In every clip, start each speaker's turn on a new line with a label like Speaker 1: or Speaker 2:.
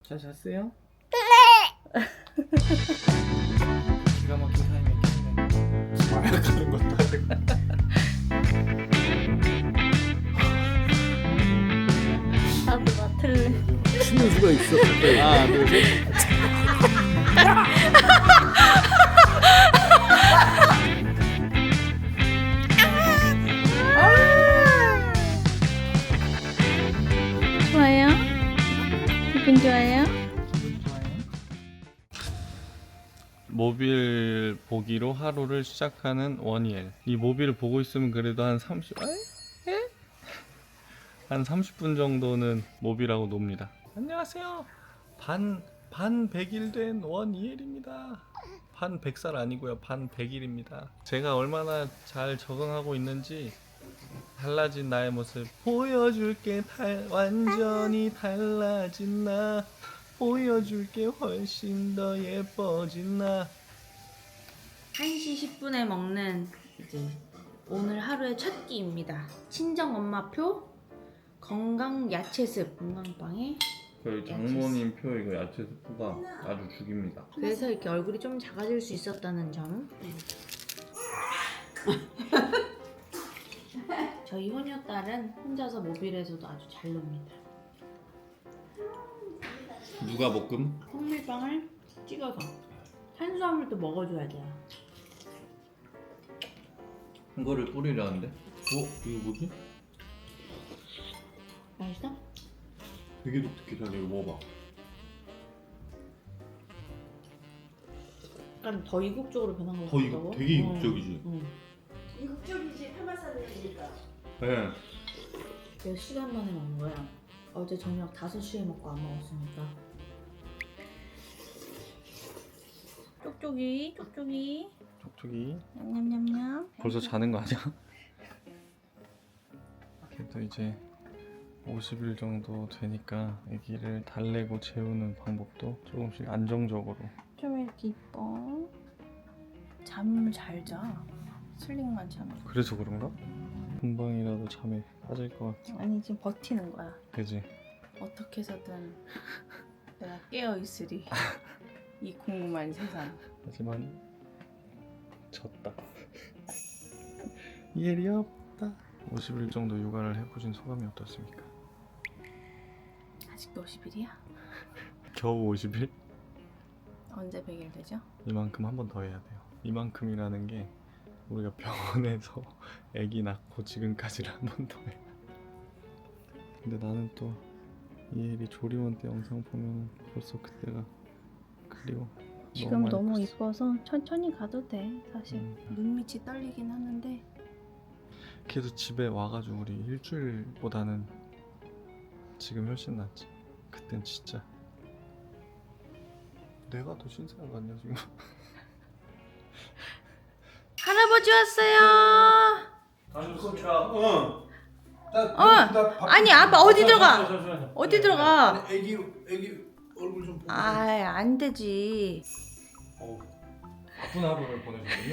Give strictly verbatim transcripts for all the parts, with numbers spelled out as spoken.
Speaker 1: 잘 잤어요? 기가 막힌 타이밍 켰네. 마약하는 것도 아니고.
Speaker 2: 나도 맡을래.
Speaker 3: 쉬는 수가 있어.
Speaker 1: 하나, 둘, 셋.
Speaker 2: 좋아요? 기분 좋아요?
Speaker 1: 기분 좋아요? 모빌 보기로 하루를 시작하는 원이엘. 이 모빌을 보고 있으면 그래도 한 삼십, 에? 한 삼십 분 정도는 모빌하고 놉니다. 안녕하세요. 반, 반 백일 된 원이엘입니다. 반 백 살 아니고요. 반 백일입니다. 제가 얼마나 잘 적응하고 있는지 달라진 나의 모습 보여줄게. 달, 완전히 달라진 나 보여줄게. 훨씬 더 예뻐진 나.
Speaker 2: 한 시 십 분에 먹는 이제 오늘 하루의 첫 끼입니다. 친정 엄마표 건강 야채습 건강빵에.
Speaker 1: 저희 장모님 표 이거 야채 스프가 아주 죽입니다.
Speaker 2: 그래서 이렇게 얼굴이 좀 작아질 수 있었다는 점. 저희 효녀딸은 혼자서 모빌에서도 아주 잘 놉니다.
Speaker 1: 누가 볶음?
Speaker 2: 통밀빵을 찍어서 탄수화물도 먹어줘야 돼요.
Speaker 1: 이거를 뿌리려는데? 어? 이거 뭐지?
Speaker 2: 맛있어?
Speaker 1: 되게 독특하다. 이거 먹어봐.
Speaker 2: 약간 더 이국적으로 변한 것
Speaker 1: 더
Speaker 2: 같다고?
Speaker 1: 이국, 되게 이국적이지?
Speaker 2: 응.
Speaker 4: 이국적이지 파마살이니까.
Speaker 1: 네.
Speaker 2: 몇 시간 만에 먹는 거야. 어제 저녁 다섯 시에 먹고 안 먹었으니까. 쪽쪽이, 쪽쪽이.
Speaker 1: 촉촉이.
Speaker 2: 냠냠냠냠.
Speaker 1: 벌써 자는 거 아니야? 그래도 이제 오십 일 정도 되니까 아기를 달래고 재우는 방법도 조금씩 안정적으로.
Speaker 2: 좀 이렇게 이뻐. 잠을 잘 자. 슬링만 자면.
Speaker 1: 그래서 그런가? 금방이라도 잠에 빠질 것 같아.
Speaker 2: 아니 지금 버티는 거야.
Speaker 1: 그지?
Speaker 2: 어떻게 해서든 내가 깨어 있으리. 이 궁금한 세상.
Speaker 1: 하지만 졌다. 일이 없다. 오십 일 정도 육아를 해보신 소감이 어떻습니까?
Speaker 2: 아직도 오십 일이야?
Speaker 1: 겨우 오십 일?
Speaker 2: 언제 백 일 되죠?
Speaker 1: 이만큼 한 번 더 해야 돼요. 이만큼이라는 게 우리가 병원에서 아기 낳고 지금까지를 한 번 더 해. 근데 나는 또 이혜리 조리원 때 영상 보면 벌써 그때가 그리워.
Speaker 2: 지금 너무
Speaker 1: 예뻤어.
Speaker 2: 이뻐서 천천히 가도 돼 사실.
Speaker 1: 음.
Speaker 2: 눈밑이 떨리긴 하는데
Speaker 1: 그래도 집에 와가지고 우리 일주일보다는 지금 훨씬 낫지. 그땐 진짜 내가 더 신세가 같냐 지금.
Speaker 2: 할아버지 왔어요.
Speaker 1: 다녀오십시오.
Speaker 3: 어. 나,
Speaker 2: 어.
Speaker 3: 나 밥-
Speaker 2: 아니 아빠 어디
Speaker 1: 아,
Speaker 2: 들어가?
Speaker 1: 잠시만요, 잠시만요.
Speaker 2: 어디
Speaker 1: 네,
Speaker 2: 들어가?
Speaker 3: 아니, 애기 애기 얼굴 좀 보고.
Speaker 2: 아이 안 되지.
Speaker 1: 어, 바쁜 하루를 보내셨군요.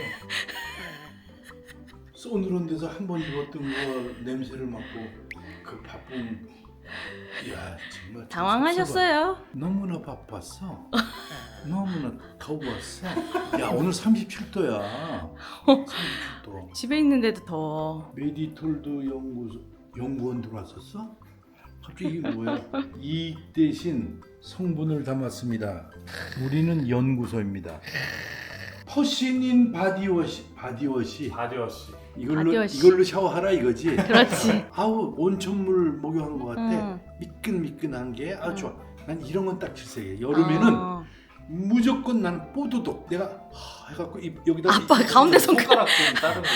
Speaker 3: 서늘한 데서 한 번 입었던 거 냄새를 맡고 그 바쁜. 이야 정말.
Speaker 2: 당황하셨어요.
Speaker 3: 너무나 바빴어. 너무나 더웠어. 야 오늘 삼십칠 도야. 삼십칠 도.
Speaker 2: 집에 있는데도 더워.
Speaker 3: 메디톨드 연구소 연구원 들어왔었어? 갑자기 이게 뭐야? 이익 대신 성분을 담았습니다. 우리는 연구소입니다. 퍼시닌 바디워시 바디워시
Speaker 1: 바디워시.
Speaker 3: 이걸로
Speaker 2: 바디워시.
Speaker 3: 이걸로 샤워하라 이거지.
Speaker 2: 그렇지.
Speaker 3: 아우 온천물 목욕한 것 같아.
Speaker 2: 응.
Speaker 3: 미끈미끈한 게 아주
Speaker 2: 응.
Speaker 3: 좋아. 난 이런 건 딱 질색이야. 여름에는
Speaker 2: 어.
Speaker 3: 무조건 난 뽀드독 내가 하, 해갖고 이, 여기다
Speaker 2: 아빠
Speaker 3: 이-
Speaker 2: 가운데 손가락.
Speaker 1: 손가락 좀 따뜻해.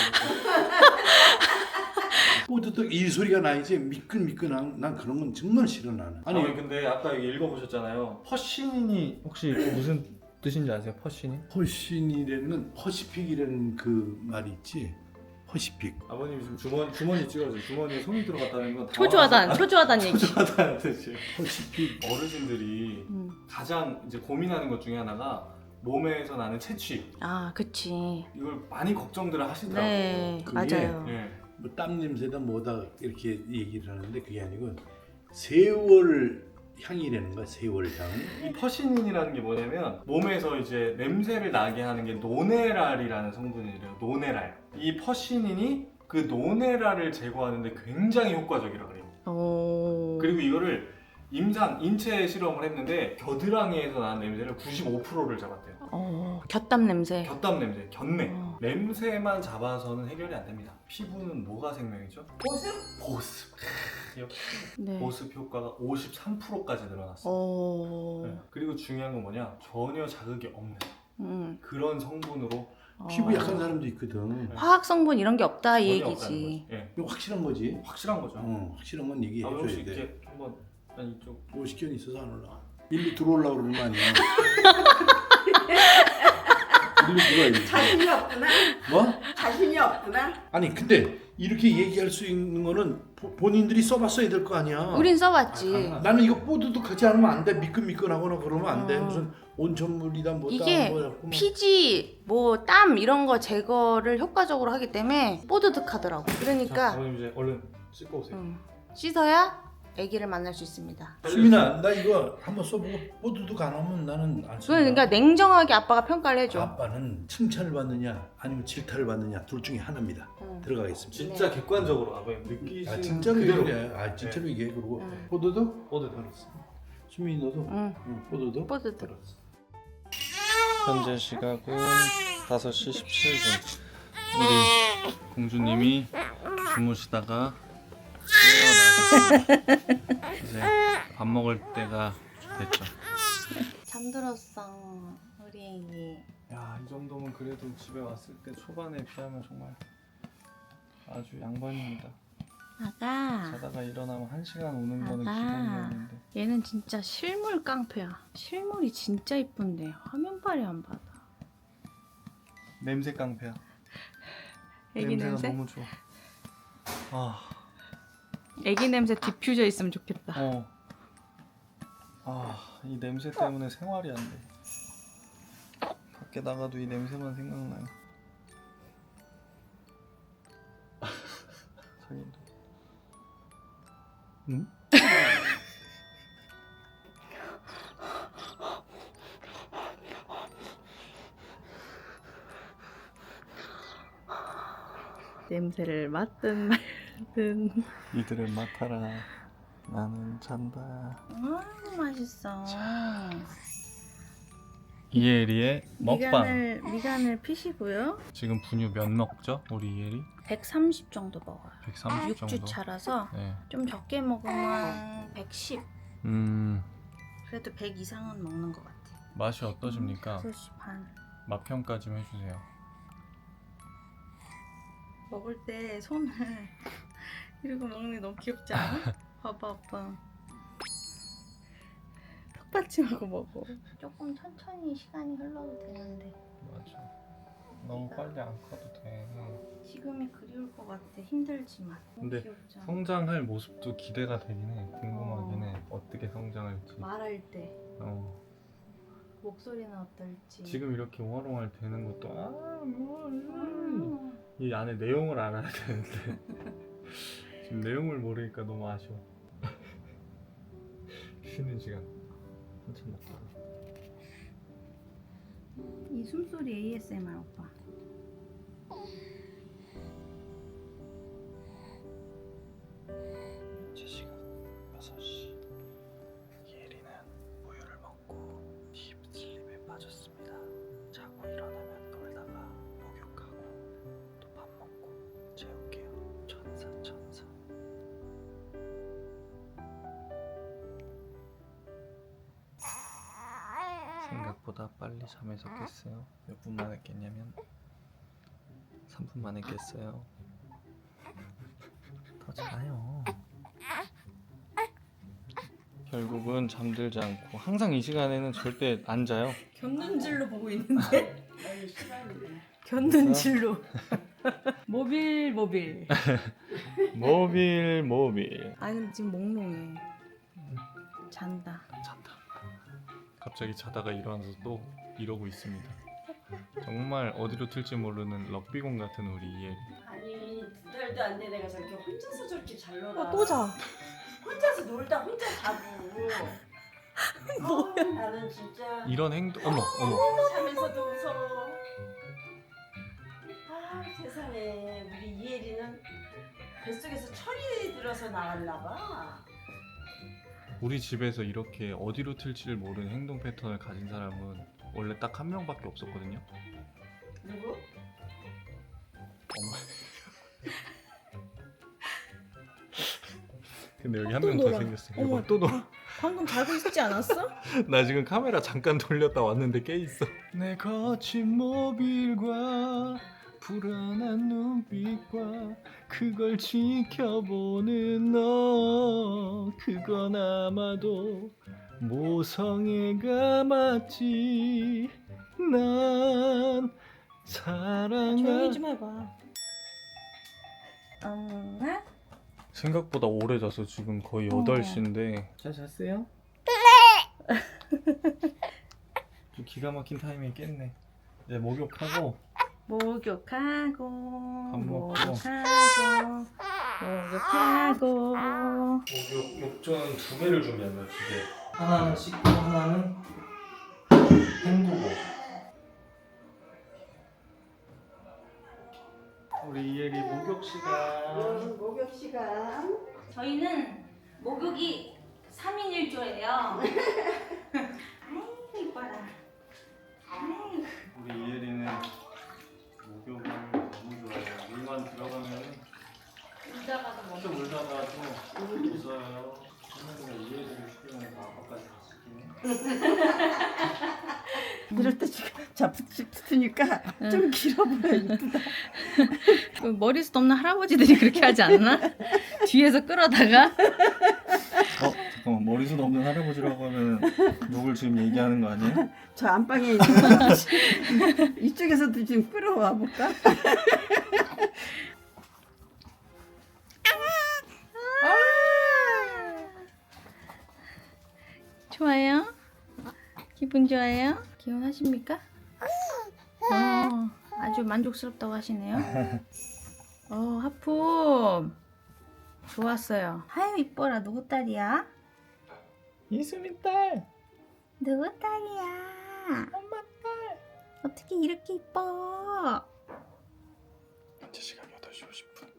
Speaker 3: 뽀드독 이 소리가 나야지 미끈미끈한 난 그런 건 정말 싫어 나는.
Speaker 1: 아니,
Speaker 3: 아니
Speaker 1: 근데 아까 여기 읽어보셨잖아요. 퍼시닌이 혹시 무슨 뜻인지 아세요? 퍼시닌?
Speaker 3: 퍼시니라는 퍼시픽이라는 그 말이 있지. 퍼시픽.
Speaker 1: 아버님 지금 주머니 주머니 찍어주세요. 주머니에 손이 들어갔다는 건
Speaker 2: 초조하단 초조하단 얘기.
Speaker 1: 초조하다는 뜻이에요.
Speaker 3: 퍼시픽.
Speaker 1: 어르신들이
Speaker 2: 음.
Speaker 1: 가장 이제 고민하는 것 중에 하나가 몸에서 나는 채취.
Speaker 2: 아 그치.
Speaker 1: 이걸 많이 걱정들을 하시더라고요.
Speaker 2: 네
Speaker 3: 그게-
Speaker 2: 맞아요.
Speaker 1: 예.
Speaker 3: 뭐 땀 냄새다 뭐다 이렇게 얘기를 하는데 그게 아니고 세월 향이라는 거야, 세월 향.
Speaker 1: 이 퍼시닌이라는 게 뭐냐면 몸에서 이제 냄새를 나게 하는 게 노네랄이라는 성분이래요. 노네랄. 이 퍼시닌이 그 노네랄을 제거하는데 굉장히 효과적이라 그래요.
Speaker 2: 오.
Speaker 1: 그리고 이거를 임상 인체 실험을 했는데 겨드랑이에서 나는 냄새를 구십오 퍼센트를 잡았대요.
Speaker 2: 어, 곁담 냄새.
Speaker 1: 곁담 냄새, 곁내.
Speaker 2: 어.
Speaker 1: 냄새만 잡아서는 해결이 안 됩니다. 피부는 뭐가 생명이죠?
Speaker 4: 보습?
Speaker 1: 보습. 역시
Speaker 2: 네.
Speaker 1: 보습 효과가 오십삼 퍼센트까지 늘어났어요.
Speaker 2: 어.
Speaker 1: 네. 그리고 중요한 건 뭐냐? 전혀 자극이 없는
Speaker 2: 음.
Speaker 1: 그런 성분으로
Speaker 3: 피부
Speaker 2: 어.
Speaker 3: 약한 사람도 있거든.
Speaker 2: 화학 성분 이런 게 없다 이
Speaker 1: 전혀 없다는
Speaker 2: 얘기지.
Speaker 1: 거지. 예.
Speaker 3: 이거 확실한 거지.
Speaker 1: 확실한 거죠.
Speaker 3: 어, 확실한 건
Speaker 1: 아,
Speaker 3: 얘기해줘야
Speaker 1: 혹시
Speaker 3: 돼.
Speaker 1: 이렇게 한번 난 이쪽
Speaker 3: 오십견 있어서 안 올라가. 일로 들어오려고 그러는 거 아니야? 일로 들어와야지.
Speaker 4: 자신이 없구나.
Speaker 3: 뭐?
Speaker 4: 자신이 없구나.
Speaker 3: 아니 근데 이렇게 얘기할 수 있는 거는 보, 본인들이 써봤어야 될 거 아니야.
Speaker 2: 우린 써봤지.
Speaker 1: 아,
Speaker 3: 나는 이거 뽀드득하지 않으면 안 돼. 미끈미끈하거나 그러면 안 돼.
Speaker 2: 어.
Speaker 3: 무슨 온천물이다 뭐다
Speaker 2: 이게
Speaker 3: 뭐 해갖고 막.
Speaker 2: 피지, 뭐 땀 이런 거 제거를 효과적으로 하기 때문에 뽀드득하더라고.
Speaker 1: 자,
Speaker 2: 그러니까
Speaker 1: 어머님 이제 얼른 씻고 오세요.
Speaker 2: 음, 씻어야 아기를 만날 수 있습니다.
Speaker 3: 수민아 나 이거 한번 써보고 뽀드득 안 하면 나는 안 쓴다.
Speaker 2: 그러니까 냉정하게 아빠가 평가를 해줘.
Speaker 3: 아빠는 칭찬을 받느냐 아니면 질타를 받느냐 둘 중에 하나입니다.
Speaker 2: 응.
Speaker 3: 들어가겠습니다.
Speaker 1: 진짜 객관적으로 아버님 느끼시는
Speaker 3: 아 진짜로
Speaker 1: 그대로
Speaker 3: 얘기해. 아 진짜로 얘기해. 그리고
Speaker 2: 응.
Speaker 3: 뽀드득?
Speaker 1: 뽀드득.
Speaker 3: 수민이 너도?
Speaker 2: 응.
Speaker 3: 응, 뽀드득?
Speaker 2: 뽀드득.
Speaker 1: 현재 시각은 다섯 시 십칠 분. 우리 공주님이 주무시다가 깨어나셨습니다. 이제 밥 먹을 때가 됐죠.
Speaker 2: 잠들었어 우리 애기.
Speaker 1: 야, 이 정도면 그래도 집에 왔을 때 초반에 비하면 정말 아주 양반입니다.
Speaker 2: 아가.
Speaker 1: 자다가 일어나면 한 시간 오는 거는
Speaker 2: 아가.
Speaker 1: 기본이었는데.
Speaker 2: 얘는 진짜 실물 깡패야. 실물이 진짜 이쁜데 화면발이 안 받아.
Speaker 1: 냄새 깡패야.
Speaker 2: 애기
Speaker 1: 냄새가
Speaker 2: 냄새?
Speaker 1: 너무 좋아. 아,
Speaker 2: 애기 냄새 디퓨저 있으면 좋겠다.
Speaker 1: 어. 아, 이 냄새 때문에 생활이 안 돼. 밖에 나가도 이 냄새만 생각나요. 자기도. 응?
Speaker 2: 냄새를 맡든 말든.
Speaker 1: 이들을 맡아라. 나는 잔다.
Speaker 2: 아 맛있어.
Speaker 1: 이혜리의 먹방.
Speaker 2: 미간을 미간을 피시고요.
Speaker 1: 지금 분유 몇 먹죠? 우리 이혜리?
Speaker 2: 백삼십 정도 먹어요.
Speaker 1: 백삼십
Speaker 2: 육 주
Speaker 1: 정도.
Speaker 2: 차라서
Speaker 1: 네.
Speaker 2: 좀 적게 먹으면 백십.
Speaker 1: 음,
Speaker 2: 그래도 백 이상은 먹는 것 같아.
Speaker 1: 맛이 어떠십니까?
Speaker 2: 다섯 시 반.
Speaker 1: 맛 평가 좀 해주세요.
Speaker 2: 먹을 때 손을 이러고 먹는 게 너무 귀엽지 않아? 봐봐 아빠. 턱받침하고 먹어. 조금 천천히 시간이 흘러도 되는데
Speaker 1: 맞아. 너무 빨리 안 커도 돼.
Speaker 2: 지금이 그리울 것 같아. 힘들지만. 너무
Speaker 1: 근데
Speaker 2: 귀엽잖아.
Speaker 1: 성장할 모습도 기대가 되긴 해. 궁금하긴 해. 어떻게 성장할지.
Speaker 2: 말할 때
Speaker 1: 어.
Speaker 2: 목소리는 어떨지.
Speaker 1: 지금 이렇게 오활오활 되는 것도 아, 뭐,
Speaker 2: 음.
Speaker 1: 이 안에 내용을 알아야 되는데 지금 내용을 모르니까 너무 아쉬워. 쉬는 시간 한참 먹다가.
Speaker 2: 이 숨소리 에이에스엠알 오빠.
Speaker 1: 현재 시각 여섯 시. 예리는 우유를 먹고 딥슬립에 빠졌습니다. 자고 일어나면 놀다가 목욕하고 또 밥 먹고 재울게요. 천사 천사. 생각보다 빨리 잠에서 깼어요. 몇 분 만에 깼냐면 삼 분 만에 깼어요. 더 자요. 결국은 잠들지 않고 항상 이 시간에는 절대 안 자요.
Speaker 2: 견눈질로 보고 있는데.
Speaker 4: 아니 시간이네.
Speaker 2: 견눈질로. 모빌 모빌.
Speaker 1: 모빌 모빌.
Speaker 2: 아니 근데 지금 몽롱해. 잔다.
Speaker 1: 잔다. 갑자기 자다가 일어나서 또 이러고 있습니다. 정말 어디로 튈지 모르는 럭비공 같은 우리 이혜리.
Speaker 4: 아니 두 달도 안 돼 내가 저렇게 혼자서 저렇게 잘 놀아.
Speaker 2: 어, 또 자.
Speaker 4: 혼자서 혼자서 놀다 혼자 자고. 뭐야? 나는 진짜
Speaker 1: 이런 행동 어머 어머
Speaker 4: 자면서도 무서워. 아 세상에 우리 이혜리는 뱃속에서 철이 들어서 나왔나 봐.
Speaker 1: 우리 집에서 이렇게 어디로 튈지를 모르는 행동 패턴을 가진 사람은 원래 딱 한 명밖에 없었거든요.
Speaker 4: 누구?
Speaker 1: 엄마. 근데 여기 한
Speaker 2: 또
Speaker 1: 명 더
Speaker 2: 놀아.
Speaker 1: 생겼어.
Speaker 2: 어머.
Speaker 1: 이거 또 놀아.
Speaker 2: 방금 자고 있지 않았어?
Speaker 1: 나 지금 카메라 잠깐 돌렸다 왔는데 깨 있어. 내 거친 모빌과 불안한 눈빛과 그걸 지켜보는 너, 그건 아마도 모성애가 맞지. 난 사랑하.
Speaker 2: 조용히 좀 해봐. 엄마?
Speaker 1: 생각보다 오래 자서 지금 거의
Speaker 2: 어.
Speaker 1: 여덟 시인데 잘 잤어요? 좀 기가 막힌 타이밍에 깼네. 이제 목욕하고
Speaker 2: 목욕하고
Speaker 1: 먹고.
Speaker 2: 목욕하고 목욕하고
Speaker 1: 목욕 욕조는 두 개를 준비합니다. 두 개. 하나는 씻고 하나는 헹구고. 우리 이혜리 목욕 시간.
Speaker 4: 음, 목욕 시간.
Speaker 2: 저희는 목욕이 삼 인 일 조예요. 아이고 이뻐라. 아이고.
Speaker 1: 우리 이혜리는 목욕을 너무 좋아해요. 물만 들어가면
Speaker 2: 울다가도 뭐
Speaker 1: 좀 울다가도 웃어요. 할머니가 이혜리를 시키면 다 아빠까지 다 시키네.
Speaker 4: 이럴 때 지금 자붙이 붙으니까 좀 길어 보여. 이쁘다.
Speaker 2: 그 머리숱 없는 할아버지들이 그렇게 하지 않나? 뒤에서 끌어다가
Speaker 1: 어? 잠깐만, 머리숱 없는 할아버지라고 하면 누굴 지금 얘기하는 거 아니에요?
Speaker 4: 저 안방에 있는 이쪽에서도 지금 끌어와 볼까?
Speaker 2: 좋아요? 기분 좋아요? 기운하십니까? 어, 아주 만족스럽다고 하시네요. 어, 하품 좋았어요. 아유 이뻐라. 누구 딸이야?
Speaker 1: 이수민 딸!
Speaker 2: 누구 딸이야?
Speaker 1: 엄마 딸!
Speaker 2: 어떻게 이렇게 이뻐?
Speaker 1: 현재 시간 여덟 시 오십 분.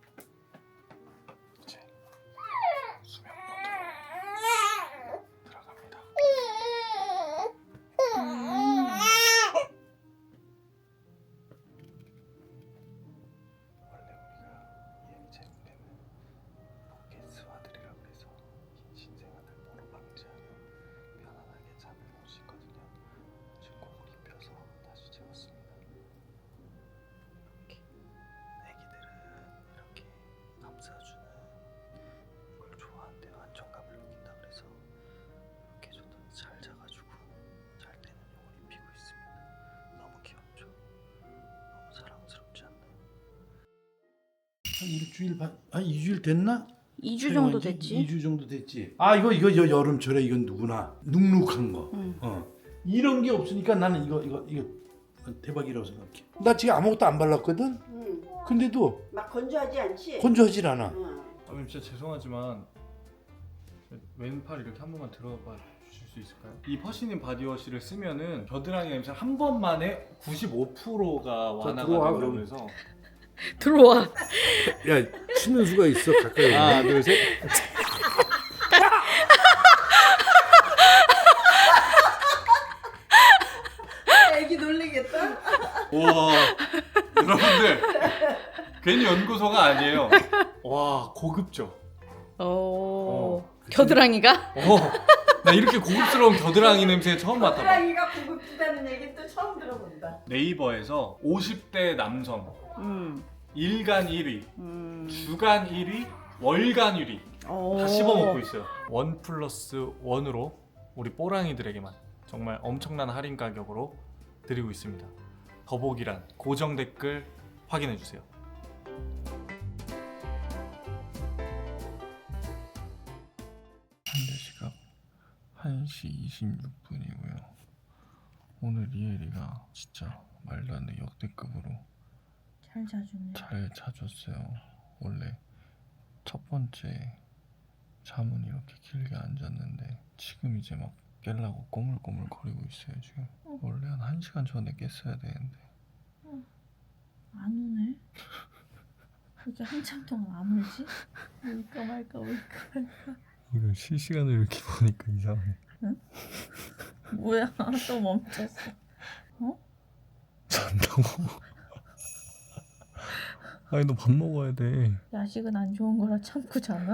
Speaker 1: 이제 수면 모드로 들어갑니다.
Speaker 2: 음.
Speaker 1: 원래 우리가 이혜리 재능 때는 포켓스와들이라고 해서 긴 신생아들 모로 방지하는 편안하게 잠을 넣을 수 있거든요. 진공을 입혀서 다시 재웠습니다. 이렇게 애기들은 이렇게 감싸주는 걸 좋아한대요. 안정감을 느낀다 그래서 이렇게 줬더니 잘 자가지고 잘 때는 이걸 입히고 있습니다. 너무 귀엽죠? 너무 사랑스럽지 않나요?
Speaker 3: 한 일주일 반, 한 이 주일 됐나?
Speaker 2: 이 주 정도
Speaker 3: 이
Speaker 2: 됐지?
Speaker 3: 주 정도 됐지. 아 이거 이거 여, 여름철에 이건 누구나 눅눅한 거.
Speaker 2: 응.
Speaker 3: 어. 이런 게 없으니까 나는 이거 이거 이거 대박이라고 생각해. 나 지금 아무것도 안 발랐거든.
Speaker 4: 응.
Speaker 3: 근데도
Speaker 4: 막 건조하지 않지?
Speaker 3: 건조하질 않아.
Speaker 4: 응.
Speaker 1: 아님 진짜 죄송하지만 왼팔 이렇게 한 번만 들어봐 주실 수 있을까요? 이 퍼시닌 바디워시를 쓰면은 겨드랑이 냄새 한 번만에 구십오 퍼센트가 완화가
Speaker 3: 들어와,
Speaker 1: 된다고
Speaker 3: 그럼.
Speaker 1: 그래서
Speaker 2: 들어와.
Speaker 3: 야 치는 수가 있어 가까이.
Speaker 1: 하나 둘셋
Speaker 4: 애기 놀리겠다.
Speaker 1: 와 여러분들 괜히 연구소가 아니에요. 와 고급져.
Speaker 2: 오.
Speaker 1: 어.
Speaker 2: 겨드랑이가?
Speaker 1: 어, 나 이렇게 고급스러운 겨드랑이 냄새 처음 맡아봐.
Speaker 4: 호랑이가 고급지다는 얘기 또 처음 들어본다.
Speaker 1: 네이버에서 오십 대 남성
Speaker 2: 음.
Speaker 1: 일간 일 위,
Speaker 2: 음.
Speaker 1: 주간 일 위, 월간 일 위
Speaker 2: 오.
Speaker 1: 다 씹어먹고 있어요. 원 플러스 원으로 우리 뽀랑이들에게만 정말 엄청난 할인 가격으로 드리고 있습니다. 더보기란 고정 댓글 확인해주세요. 현재 시각 한 시 이십육 분이고요. 오늘 이혜리가 진짜 말도 안 돼 역대급으로
Speaker 2: 잘 자주네.
Speaker 1: 잘 자줬어요. 원래 첫 번째 잠은 이렇게 길게 안 잤는데 지금 이제 막 깰라고 꼬물꼬물 거리고 있어요 지금.
Speaker 2: 어.
Speaker 1: 원래 한 1시간 전에 깼어야 되는데.
Speaker 2: 안 우네? 이렇게 한참 동안 안 울지? 울까 말까 울까 말까.
Speaker 1: 이걸 실시간으로 이렇게 보니까 이상해.
Speaker 2: 뭐야 또 멈췄어.
Speaker 1: 잔다고. 아니 너 밥 먹어야 돼.
Speaker 2: 야식은 안 좋은 거라 참고 자나?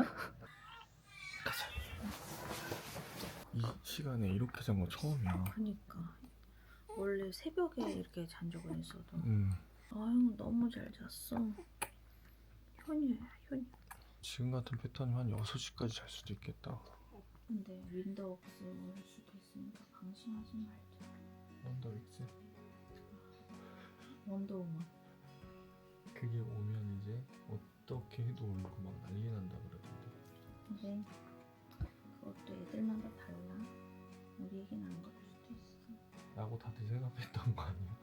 Speaker 1: 이 시간에 이렇게 잔 거 처음이야.
Speaker 2: 그니까 원래 새벽에 이렇게 잔 적은 있어도
Speaker 1: 음.
Speaker 2: 아유 너무 잘 잤어. 현이야 현이.
Speaker 1: 지금 같은 패턴이면 한 여섯 시까지 잘 수도 있겠다.
Speaker 2: 근데 윈도우스 올 수도 있으니까 방심하지 말자.
Speaker 1: 원더윅스?
Speaker 2: 원더우먼.
Speaker 1: 그게 오면 이제 어떻게 해도 울고 막 난리 난다 그러던데.
Speaker 2: 근데 그것도 애들마다 달라. 우리 얘기는 안 그럴 수도 있어.
Speaker 1: 라고 다들 생각했던 거 아니야?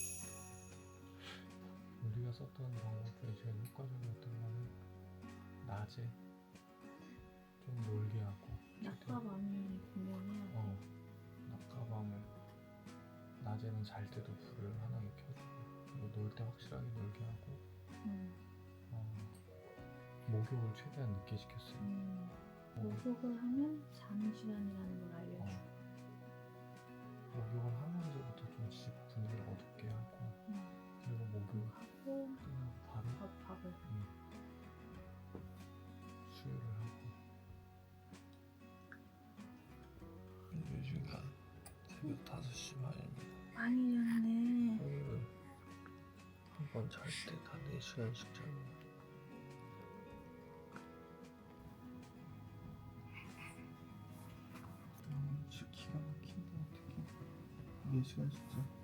Speaker 1: 우리가 썼던 방법 중에 제일 효과적이었던 거는 낮에 좀 놀게 하고
Speaker 2: 낮과 밤이 분명해야 돼.
Speaker 1: 어, 낮과 밤을 낮에는 잘 때도 불을 하나에 켜주고 그리고 놀 때 확실하게 놀게 하고
Speaker 2: 응.
Speaker 1: 어, 목욕을 최대한 늦게 시켰어요.
Speaker 2: 음.
Speaker 1: 어,
Speaker 2: 목욕을 하면 자는 시간이라는 걸 알려줘.
Speaker 1: 어. 목욕을 하면서부터 좀 집 분위기를 어둡게 하고
Speaker 2: 응.
Speaker 1: 그리고 목욕을
Speaker 2: 하고
Speaker 1: 끝나고 바로
Speaker 2: 밥, 밥을.
Speaker 1: 음, 수유를 하고 현재 시간 새벽 다섯 시 반입니다.
Speaker 2: 많이 잤네.
Speaker 1: 오늘은 한 번 잘 때 다 네 시간씩 자고 아 진짜 기가 막힌다 어떡해 네 시간씩 자